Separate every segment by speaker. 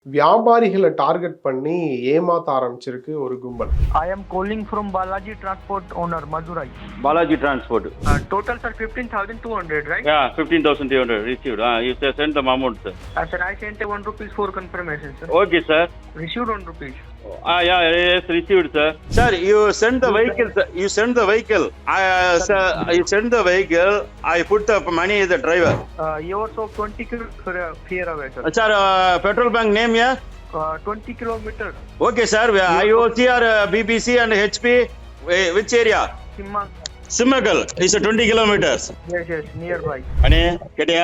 Speaker 1: வியாபாரிகள target பண்ணி ஏமாத்த ஆரம்பிச்சிருக்கு ஒரு கும்பல்.
Speaker 2: I am calling from Balaji Transport owner, Madurai.
Speaker 3: Balaji Transport.
Speaker 2: Total sir 15,200, right?
Speaker 3: Yeah, 15,200 received. You send the amount, sir.
Speaker 2: Sir, I sent a 1 rupees for confirmation, sir.
Speaker 3: Okay, sir.
Speaker 2: Received 1 rupees.
Speaker 3: Yes, received, sir. Sir, you send the vehicle, sir. You send the vehicle. Sir, you send the vehicle. I put the money as the driver.
Speaker 2: Yours of 20 fear away, sir.
Speaker 3: Sir, petrol bank name, yeah?
Speaker 2: 20 kilometers.
Speaker 3: Okay, sir. IOC or BBC and HP, which area? Simmagal. It's 20 kilometers.
Speaker 2: Yes, nearby.
Speaker 3: அண்ணே கேட்டியா?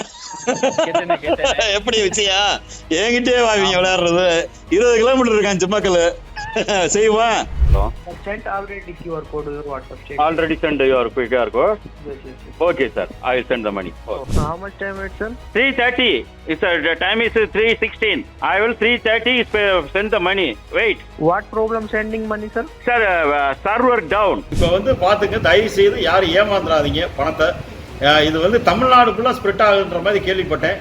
Speaker 3: எப்படி வச்சியா? என்கிட்டே வாங்க விளையாடுறது 20 kilometre இருக்கான் சிம்மக்கல். செய்வா?
Speaker 2: I sent already QR code to your WhatsApp. Check.
Speaker 3: Already send your QR code?
Speaker 2: Yes.
Speaker 3: Okay, sir. I will send the money. Okay.
Speaker 2: How much time it, sir?
Speaker 3: 3:30. The time is 3:16. I will 3:30 send the money. Wait.
Speaker 2: What problem sending money, sir?
Speaker 3: Sir, server down.
Speaker 4: இப்போ வந்து பாத்துங்க, தயவு செய்து யாரும் ஏமாந்துடாதீங்க பணத்தை. இது வந்து தமிழ்நாடுக்குள்ள spread ஆகுன்ற மாதிரி கேள்விப்பட்டேன்.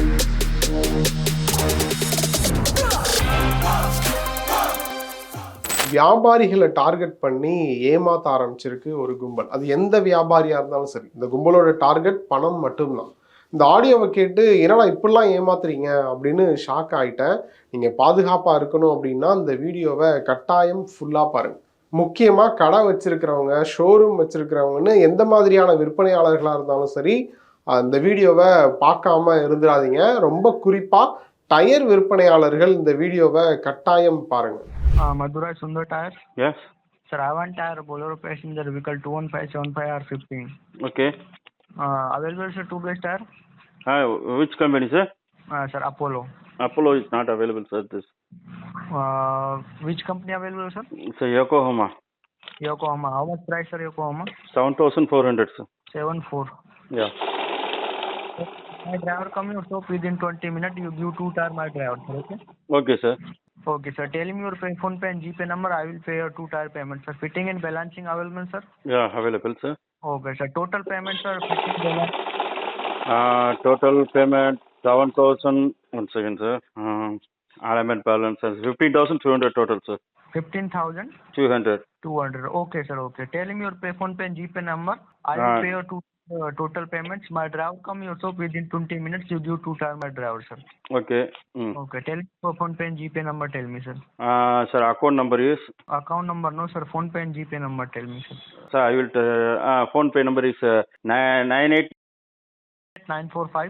Speaker 1: வியாபாரிகள டார்கெட் பண்ணி ஏமாத்த ஆரம்பிச்சிருக்கு ஒரு கும்பல். அது எந்த வியாபாரியா இருந்தாலும் சரி, இந்த கும்பலோட டார்கெட் பணம் மட்டும்தான். இந்த ஆடியோவை கேட்டு என்னடா இப்படிலாம் ஏமாத்துறீங்க அப்படின்னு ஷாக் ஆயிட்டேன். நீங்க பாதுகாப்பா இருக்கணும் அப்படின்னா இந்த வீடியோவை கட்டாயம் ஃபுல்லா பாருங்க. முக்கியமா கடை வச்சிருக்கிறவங்க, ஷோரூம் வச்சிருக்கிறவங்கன்னு எந்த மாதிரியான விற்பனையாளர்களா இருந்தாலும் சரி, அந்த வீடியோவை பார்க்காம இருந்துடாதீங்க. ரொம்ப குறிப்பா டயர் விற்பனையாளர்கள் இந்த வீடியோவை கட்டாயம் பாருங்க.
Speaker 2: Madurai Sundar Tires.
Speaker 3: Yes.
Speaker 2: Sir, I want tire Bolero passenger vehicle 21575 R15.
Speaker 3: Okay.
Speaker 2: Available, sir, 2 base tire?
Speaker 3: Which company, sir?
Speaker 2: Sir, Apollo.
Speaker 3: Apollo is not available, sir. This.
Speaker 2: Which company available, sir?
Speaker 3: Sir, Yokohama.
Speaker 2: Yokohama. How much price, sir, Yokohama?
Speaker 3: 7,400, sir.
Speaker 2: 7,400.
Speaker 3: Yeah.
Speaker 2: My driver coming so within 20 minutes. You give 2 tire my driver, sir. Okay.
Speaker 3: Okay, sir.
Speaker 2: Okay, sir. Tell me your phone pay and GPay number. I will pay your 2 tire payment, sir. Fitting and balancing available, sir?
Speaker 3: Yeah, available, sir.
Speaker 2: Okay, sir. Total payment, sir. Fitting balance.
Speaker 3: Total payment 7,000. One second, sir. Element balance is 15,200 total, sir.
Speaker 2: 15,200.
Speaker 3: 200.
Speaker 2: Okay, sir. Okay. Tell me your phone pay and GPay number. I will pay your 2 total payments. My driver come also within 20 minutes. You give 2 tire my driver, sir.
Speaker 3: Okay.
Speaker 2: Okay. Tell me your phone pay and GPay number. Tell me, sir.
Speaker 3: Sir, account number is?
Speaker 2: Account number no, sir. Phone pay and GPay number. Tell me, sir.
Speaker 3: Sir, I will. Phone pay number is 98
Speaker 2: 945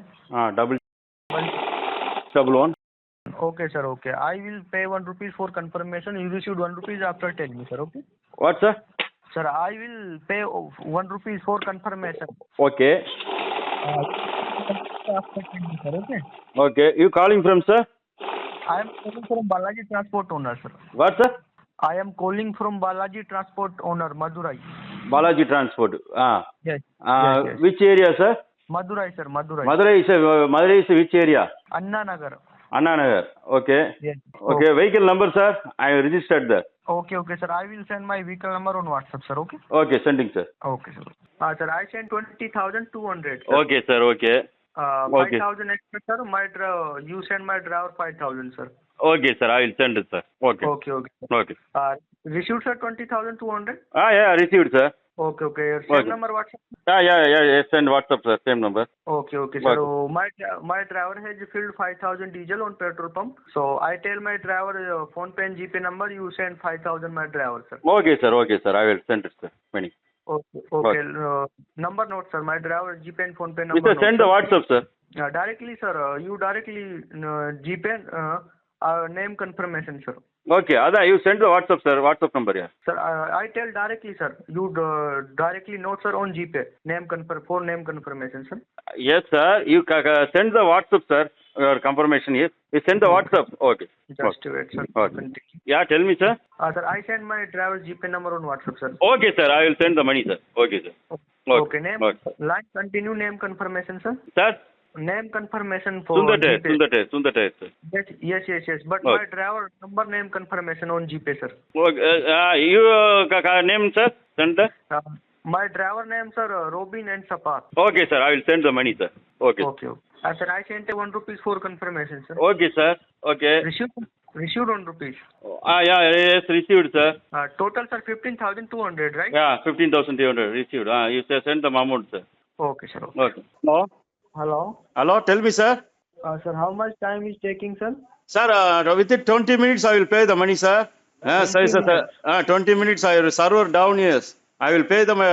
Speaker 3: 11.
Speaker 2: Okay, sir. Okay. I will pay 1 rupees for confirmation. You received 1 rupees after. Tell me, sir. Okay.
Speaker 3: What, sir?
Speaker 2: Sir, I will pay 1 rupees for confirmation.
Speaker 3: Okay.
Speaker 2: After 10 minutes, sir. Okay.
Speaker 3: Okay. You calling from, sir?
Speaker 2: I am calling from Balaji Transport owner, sir.
Speaker 3: What, sir?
Speaker 2: I am calling from Balaji Transport owner, Madurai.
Speaker 3: Balaji Transport.
Speaker 2: Yes. Yes.
Speaker 3: Which area, sir?
Speaker 2: Madurai, sir. Madurai.
Speaker 3: Madurai is which area?
Speaker 2: Anna Nagar.
Speaker 3: Anna Nagar. Okay.
Speaker 2: Yes.
Speaker 3: Okay. Vehicle number, sir? I registered there.
Speaker 2: Okay, sir. I will send my vehicle number on WhatsApp, sir. Okay.
Speaker 3: Okay, sending, sir.
Speaker 2: Okay, sir. Sir, I sent 20,200. Sir.
Speaker 3: Okay, sir. Okay.
Speaker 2: 5,000 extra, sir. You send my driver 5,000, sir.
Speaker 3: Okay, sir. I will send it, sir. Okay.
Speaker 2: Okay.
Speaker 3: Okay.
Speaker 2: Received, sir, 20,200.
Speaker 3: Yeah, received, sir.
Speaker 2: Okay. Same
Speaker 3: Okay.
Speaker 2: number WhatsApp.
Speaker 3: Yeah. Send WhatsApp, sir. Same number.
Speaker 2: Okay, sir. So my driver has filled 5,000 diesel on petrol pump. So I tell my driver phone pay and GPay number. You send 5,000 my driver, sir.
Speaker 3: Okay, sir. I will send it, sir. Money.
Speaker 2: Okay. Number note, sir. My driver GPay and phone pay number.
Speaker 3: Sir, send the WhatsApp, sir.
Speaker 2: Directly, sir. You directly GPay name confirmation, sir.
Speaker 3: Okay, you send the WhatsApp, sir. WhatsApp number, yeah.
Speaker 2: Sir, I tell directly, sir. You directly note, sir, on GPay. For name confirmation, sir.
Speaker 3: Yes, sir. You send the WhatsApp, sir. Your confirmation is. You send the WhatsApp. Okay.
Speaker 2: Just wait, sir.
Speaker 3: Okay. Yeah, tell me, sir.
Speaker 2: Sir, I send my driver's GPay number on WhatsApp, sir.
Speaker 3: Okay, sir. I will send the money, sir. Okay, sir.
Speaker 2: Okay. Name.
Speaker 3: Okay.
Speaker 2: Line continue name confirmation, sir.
Speaker 3: Sir?
Speaker 2: Name confirmation for
Speaker 3: Sundar, sir.
Speaker 2: Yes. But
Speaker 3: Okay.
Speaker 2: my driver number name confirmation on GPay, sir.
Speaker 3: Okay. You name, sir? Send the.
Speaker 2: My driver name, sir, Robin and Sapat.
Speaker 3: Okay, sir. I will send the money, sir. Okay.
Speaker 2: Okay. Sir, I sent a 1 rupees for confirmation, sir.
Speaker 3: Okay, sir. Okay.
Speaker 2: Received 1 rupees.
Speaker 3: Yeah, yes, received, sir.
Speaker 2: Total, sir, 15,200, right?
Speaker 3: Yeah, 15,200 received. You send the amount, sir.
Speaker 2: Okay, sir.
Speaker 3: Okay. Hello?
Speaker 2: Hello.
Speaker 3: Hello, tell me, sir.
Speaker 2: Sir, how much time is taking, sir?
Speaker 3: Sir, within 20 minutes I will pay the money, sir.
Speaker 2: 20 minutes.
Speaker 3: 20 minutes I will server down, yes. I will pay them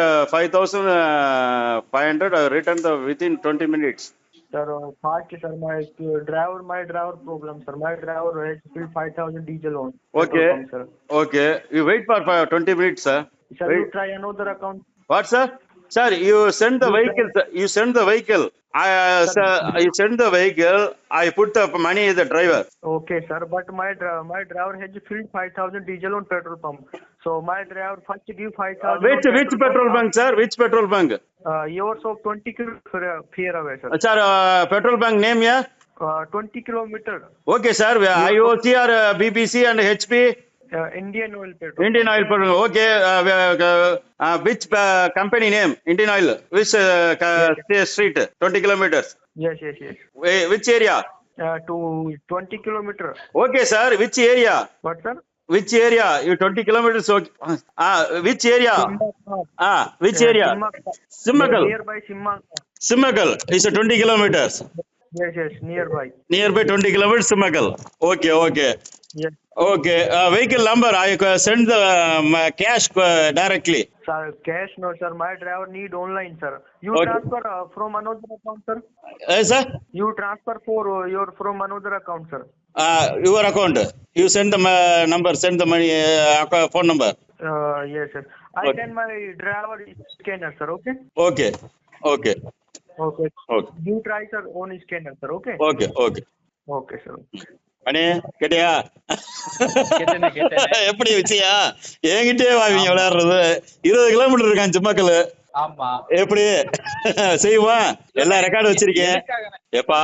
Speaker 3: 5,500. I will return the within 20 minutes.
Speaker 2: Sir, fast, sir. My driver problem, sir. My driver has filled 5,000 diesel on.
Speaker 3: Okay.
Speaker 2: Petrol pump, sir.
Speaker 3: Okay. You wait for 20 minutes, sir.
Speaker 2: Sir,
Speaker 3: Wait.
Speaker 2: you try another account.
Speaker 3: What, sir? Sir, you send the vehicle, sir. You send the vehicle. Sir, you send the vehicle. I put the money as the driver.
Speaker 2: Okay, sir. But my driver has filled 5,000 diesel on petrol pump. So my driver first give 5,000.
Speaker 3: Which petrol bunk, sir? Which petrol bunk?
Speaker 2: Yours of 20 kilometers fear away, sir.
Speaker 3: Sir, petrol bunk name, yeah?
Speaker 2: 20 kilometer.
Speaker 3: Okay, sir. IOC or BBC and HP?
Speaker 2: Indian Oil petrol.
Speaker 3: Indian Oil petrol. Okay. Which company name? Indian Oil. Which street? 20 kilometers.
Speaker 2: Yes.
Speaker 3: Which area?
Speaker 2: To 20 kilometer.
Speaker 3: Okay, sir. Which area?
Speaker 2: What, sir?
Speaker 3: Which area? You 20 kilometers. Okay. Which area? Which area? Simmagal.
Speaker 2: Nearby Simmagal.
Speaker 3: Simmagal is 20 kilometers.
Speaker 2: Yes, nearby.
Speaker 3: Nearby 20 kilometers, Simmagal. Okay.
Speaker 2: Yes.
Speaker 3: Okay. Vehicle number, I send the cash directly.
Speaker 2: Sir, cash no, sir. My driver need online, sir. You
Speaker 3: Okay.
Speaker 2: transfer from another account, sir.
Speaker 3: Sir?
Speaker 2: You transfer from another account, sir.
Speaker 3: Your account. You send the number, send the money, phone number.
Speaker 2: Yes, sir. I
Speaker 3: Okay.
Speaker 2: send my driver scanner, sir. Okay.
Speaker 3: Okay.
Speaker 2: You try, sir, on scanner, sir. Okay. Okay, sir.
Speaker 3: அண்ணே கேட்டியா எப்படி வச்சியா என்கிட்டே வாங்க விளையாடுறது 20 kilometre இருக்கான் சிம்மக்கல்
Speaker 5: ஆமா
Speaker 3: எப்படி செய்வான் எல்லா ரெக்கார்டு வச்சிருக்கேன் எப்பா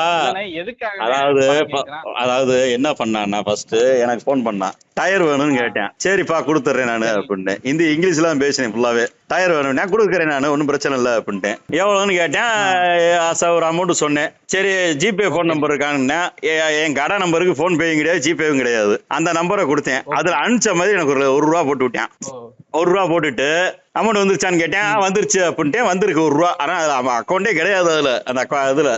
Speaker 3: அதாவது என்ன பண்ணான்னா ஃபர்ஸ்ட் எனக்கு போன் பண்ணான் டயர் வேணும்னு கேட்டேன் சரிப்பா கொடுத்துட்றேன் நான் அப்படின்ட்டு இங்கிலீஷ்ல தான் பேசினேன் ஃபுல்லாவே டயர் வேணும் நான் கொடுக்குறேன் நான் ஒன்றும் பிரச்சனை இல்லை அப்படின்ட்டேன் எவ்வளோன்னு கேட்டேன் ஒரு அமௌண்ட் சொன்னேன் சரி ஜிபே ஃபோன் நம்பர் இருக்காங்கன்னா என் கடை நம்பருக்கு ஃபோன் பேயும் கிடையாது ஜிபேவும் கிடையாது அந்த நம்பரை கொடுத்தேன் அதுல அனுப்பிச்ச மாதிரி எனக்கு ஒரு ரூபா போட்டு விட்டேன் ₹1 போட்டுட்டு அமௌண்ட் வந்துருச்சான்னு கேட்டேன் வந்துருச்சு அப்படின்ட்டு வந்திருக்கு ₹1 ஆனா அக்கௌண்டே கிடையாது அதுல அந்த இதுல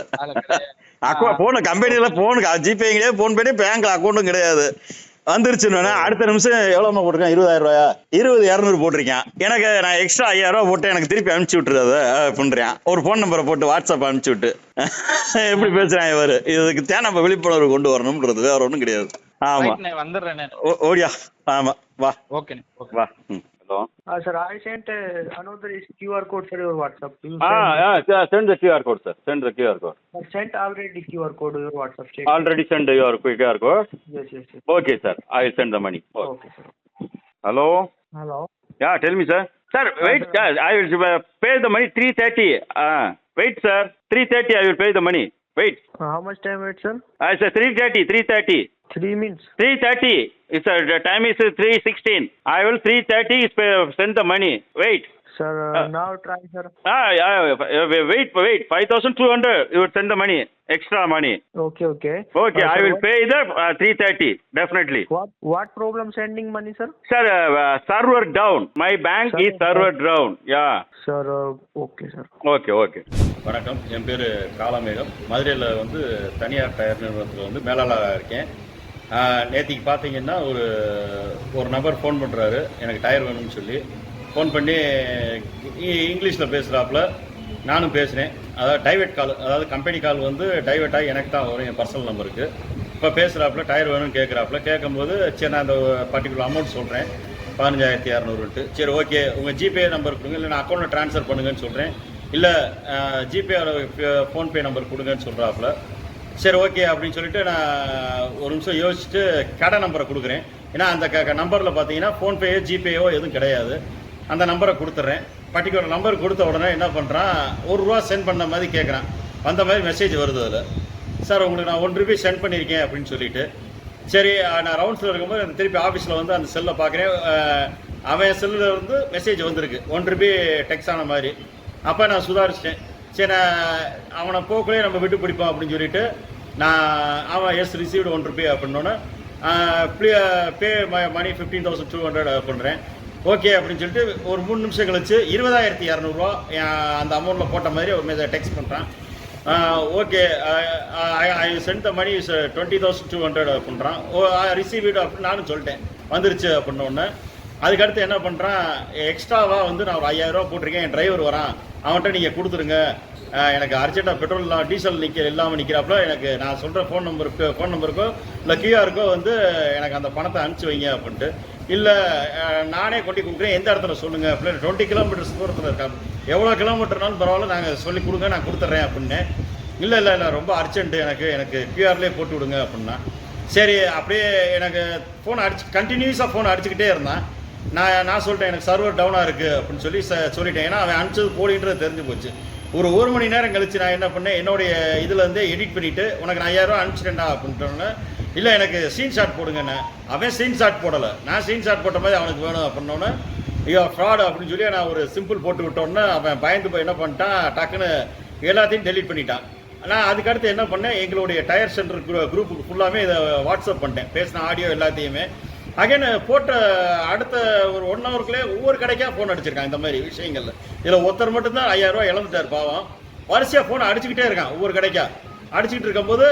Speaker 3: போன கம்பெனில போனுக்கு ஜிபே கிடையாது போன் பண்ணி பேங்க்ல அக்கௌண்ட்டும் கிடையாது வந்துருச்சுன்னு அடுத்த நிமிஷம் எவ்வளவு போட்டிருக்கேன் 20,000 200 போட்டிருக்கேன் எனக்கு நான் எக்ஸ்ட்ரா 5,000 போட்டு எனக்கு திருப்பி அனுப்பிச்சு விட்டுருது பண்றேன் ஒரு போன் நம்பரை போட்டு வாட்ஸ்அப் அனுப்பிச்சு விட்டு எப்படி பேசுறேன் இவரு இதுக்கு தான் நம்ம விழிப்புணர்வு கொண்டு வரணும்ன்றது வேற ஒண்ணும் கிடையாது ஆமா ஓடியா ஆமா வா வா Hello.
Speaker 2: Sir, I sent another QR code for your WhatsApp.
Speaker 3: Send the QR code, sir. Send the QR code.
Speaker 2: I sent already QR code to your WhatsApp. Check.
Speaker 3: Already send your QR code?
Speaker 2: Yes.
Speaker 3: Okay, sir. I will send the money.
Speaker 2: Okay, sir.
Speaker 3: Hello? Yeah, tell me, sir. Sir, wait, sir. I will pay the money 3:30. Wait, sir. 3:30 I will pay the money. Wait.
Speaker 2: How much time wait, sir?
Speaker 3: I said 3:30.
Speaker 2: 3 minutes. 3:30.
Speaker 3: It's the time is 3:16. I will 3:30 send the money. Wait.
Speaker 2: Sir, now try, sir.
Speaker 3: Wait. 5,200. You will send the money. Extra money.
Speaker 2: Okay.
Speaker 3: Okay, I will pay the 3:30. Definitely.
Speaker 2: What problem sending money, sir?
Speaker 3: Sir, server down. My bank is server down. Yeah.
Speaker 2: Sir, okay, sir.
Speaker 3: Okay.
Speaker 4: வணக்கம், என் பேர் காலமேகம். மதுரையில் வந்து தனியார் tyre நிறுவனத்தில் வந்து மேலாளராக இருக்கேன். நேற்றுக்கு பார்த்தீங்கன்னா ஒரு நபர் ஃபோன் பண்ணுறாரு எனக்கு டயர் வேணும்னு சொல்லி ஃபோன் பண்ணி இங்கிலீஷில் பேசுகிறாப்புல நானும் பேசுகிறேன். அதாவது டைவர்ட் கால், அதாவது கம்பெனி கால் வந்து டைவர்ட் ஆகி எனக்கு தான் வரும் என் பர்சனல் நம்பருக்கு. இப்போ பேசுகிறாப்புல டயர் வேணும்னு கேட்குறாப்புல கேட்கும்போது சரி நான் அந்த பர்டிகுலர் அமௌண்ட் சொல்கிறேன் 15,200. சரி ஓகே உங்கள் ஜிபே நம்பர் கொடுங்க இல்லை நான் அக்கௌண்ட்டில் ட்ரான்ஸ்ஃபர் பண்ணுங்கன்னு சொல்கிறேன். இல்லை ஜிபே ஃபோன்பே நம்பர் கொடுங்கன்னு சொல்கிறாப்புல. சரி ஓகே அப்படின்னு சொல்லிட்டு நான் ஒரு நிமிஷம் யோசிச்சுட்டு கடை நம்பரை கொடுக்குறேன். ஏன்னா அந்த நம்பரில் பார்த்தீங்கன்னா ஃபோன்பேயோ ஜிபேயோ எதுவும் கிடையாது. அந்த நம்பரை கொடுத்துட்றேன். பர்டிகுலர் நம்பர் கொடுத்த உடனே என்ன பண்ணுறான் ₹1 சென்ட் பண்ண மாதிரி கேட்குறான். வந்த மாதிரி மெசேஜ் வருது அதில். சார் உங்களுக்கு நான் ₹1 சென்ட் பண்ணியிருக்கேன் அப்படின்னு சொல்லிட்டு சரி நான் ரவுண்ட்ஸில் இருக்கும்போது திருப்பி ஆஃபீஸில் வந்து அந்த செல்லை பார்க்குறேன். அவன் செல்லில் இருந்து மெசேஜ் வந்திருக்கு ₹1 டெக்ஸ் ஆன மாதிரி. அப்போ நான் சுதாரிச்சிட்டேன். சரி அவனை போக்குள்ளே நம்ம விட்டு பிடிப்போம் அப்படின்னு சொல்லிட்டு நான் அவன் எஸ் ரிசீவ்டு ₹1 அப்படின்னோன்னே பே மணி 15,200 பண்ணுறேன். ஓகே அப்படின்னு சொல்லிட்டு ஒரு 3 நிமிஷம் கழிச்சு 20,200 அந்த அமௌண்ட்டில் போட்ட மாதிரி ஒரு டெக்ஸ்ட் பண்ணுறான். ஓகே ஐ சென்ட் த மணி 20,200 பண்ணுறான். ரிசீவ் இட் அப்படின்னு நானும் சொல்லிட்டேன், வந்துருச்சு அப்படின்னோடனே அதுக்கடுத்து என்ன பண்ணுறான், எக்ஸ்ட்ராவாக வந்து நான் ஒரு 5,000 போட்டிருக்கேன், என் டிரைவர் வரான், அவன்கிட்ட நீங்கள் கொடுத்துருங்க, எனக்கு அர்ஜென்ட்டாக பெட்ரோல் டீசல் இல்லாமல் நிற்கிறாப்புல, எனக்கு நான் சொல்கிற ஃபோன் நம்பருக்கோ இல்லை கியூஆருக்கோ வந்து எனக்கு அந்த பணத்தை அனுப்பிச்சி வைங்க அப்படின்ட்டு. இல்லை நானே கொண்டு கொடுக்குறேன், எந்த இடத்துல சொல்லுங்கள் அப்படின்னு. 20 கிலோமீட்டர்ஸ் தூரத்தில் இருக்காங்க, எவ்வளோ கிலோமீட்டர்னாலும் பரவாயில்ல, நாங்கள் சொல்லி கொடுங்க, நான் கொடுத்துட்றேன் அப்படின்னு. இல்லை ரொம்ப அர்ஜென்ட்டு, எனக்கு கியூஆர்லேயே போட்டு விடுங்க அப்படின்னா. சரி அப்படியே எனக்கு ஃபோன் கண்டினியூஸாக ஃபோன் அடிச்சுக்கிட்டே இருந்தான். நான் சொல்லிட்டேன், எனக்கு சர்வர் டவுனாக இருக்குது அப்படின்னு சொல்லிட்டேன். ஏன்னா அவன் அனுப்பிச்சது போலின்றது தெரிஞ்சு போச்சு. ஒரு மணி நேரம் கழிச்சு நான் என்ன பண்ணேன், என்னுடைய இதுலேருந்து எடிட் பண்ணிவிட்டு உனக்கு நான் 5,000 அனுப்பிச்சிட்டேன்டா அப்படின்ட்டோன்னே, இல்லை எனக்கு ஸ்க்ரீன்ஷாட் போடுங்கண்ணே. அவன் ஸ்க்ரீன்ஷாட் போடலை, நான் ஸ்க்ரீன்ஷாட் போட்ட மாதிரி அவனுக்கு வேணும் அப்படின்னோன்னே, ஐயோ ஃப்ராடு அப்படின்னு சொல்லி நான் ஒரு சிம்பிள் போட்டு விட்டோன்னே அவன் பயந்து போய் என்ன பண்ணிட்டான், டக்குன்னு எல்லாத்தையும் டெலீட் பண்ணிட்டான். நான் அதுக்கடுத்து என்ன பண்ணேன், எங்களுடைய டயர் சென்டர் குரூப்புக்கு ஃபுல்லாமே இதை வாட்ஸ்அப் பண்ணிட்டேன், பேசின ஆடியோ எல்லாத்தையுமே. அகைன் போட்ட அடுத்த ஒரு 1 ஹவருக்குள்ளே ஒவ்வொரு கடைக்காக ஃபோன் அடிச்சிருக்கான். இந்த மாதிரி விஷயங்கள்ல இதில் ஒருத்தர் மட்டும்தான் 5,000 இழந்துட்டார் பாவம். வரிசையாக ஃபோன் அடிச்சுக்கிட்டே இருக்கான், ஒவ்வொரு கடைக்கா அடிச்சுக்கிட்டு இருக்கும்போது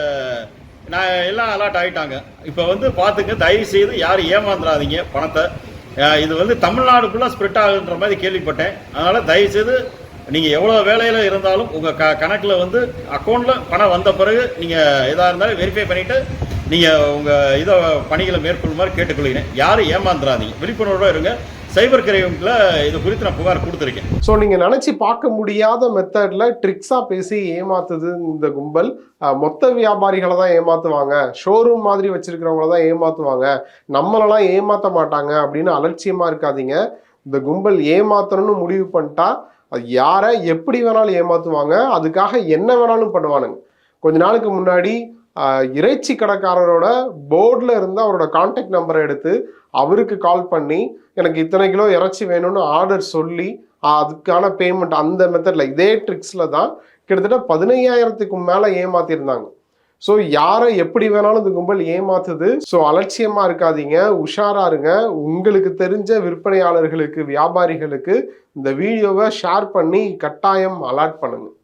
Speaker 4: நான் எல்லாம் அலர்ட் ஆகிட்டாங்க. இப்போ வந்து பார்த்துங்க, தயவு செய்து யாரும் ஏமாந்துடாதீங்க பணத்தை. இது வந்து தமிழ்நாடுக்குள்ளே ஸ்ப்ரெட் ஆகுன்ற மாதிரி கேள்விப்பட்டேன். அதனால் தயவுசெய்து நீங்கள் எவ்வளோ வேலையில் இருந்தாலும் உங்கள் கணக்கில் வந்து அக்கௌண்ட்டில் பணம் வந்த பிறகு நீங்கள் எதாக இருந்தாலும் வெரிஃபை பண்ணிவிட்டு நீங்கள் உங்கள் இதை பணிகளை மேற்கொள்ளுமாறு கேட்டுக்கொள்கிறேன். யாரும் ஏமாந்துடாதீங்க, விழிப்புணர்வோடு இருங்க. சைபர் கிரைமில் இது குறித்து நான் புகார் கொடுத்துருக்கேன்.
Speaker 1: ஸோ நீங்கள் நினச்சி பார்க்க முடியாத மெத்தடில் ட்ரிக்ஸாக பேசி ஏமாத்துது இந்த கும்பல். மொத்த வியாபாரிகளை தான் ஏமாற்றுவாங்க, ஷோரூம் மாதிரி வச்சுருக்கிறவங்கள தான் ஏமாற்றுவாங்க, நம்மளெல்லாம் ஏமாற்ற மாட்டாங்க அப்படின்னு அலட்சியமாக இருக்காதீங்க. இந்த கும்பல் ஏமாத்தணும்னு முடிவு பண்ணிட்டா அது யாரை எப்படி வேணாலும் ஏமாற்றுவாங்க, அதுக்காக என்ன வேணாலும் பண்ணுவானுங்க. கொஞ்ச நாளுக்கு முன்னாடி இறைச்சி கடைக்காரரோட போர்டில் இருந்து அவரோட கான்டாக்ட் நம்பரை எடுத்து அவருக்கு கால் பண்ணி எனக்கு இத்தனை கிலோ இறைச்சி வேணும்னு ஆர்டர் சொல்லி அதுக்கான பேமெண்ட் அந்த மெத்தடில் இதே ட்ரிக்ஸில் தான் கிட்டத்தட்ட 15,000க்கும் மேலே ஏமாத்திருந்தாங்க. ஸோ யாரை எப்படி வேணாலும் இந்த கும்பல் ஏமாத்துது. ஸோ அலட்சியமாக இருக்காதீங்க, உஷாரா இருங்க. உங்களுக்கு தெரிஞ்ச விற்பனையாளர்களுக்கு, வியாபாரிகளுக்கு இந்த வீடியோவை ஷேர் பண்ணி கட்டாயம் அலர்ட் பண்ணுங்க.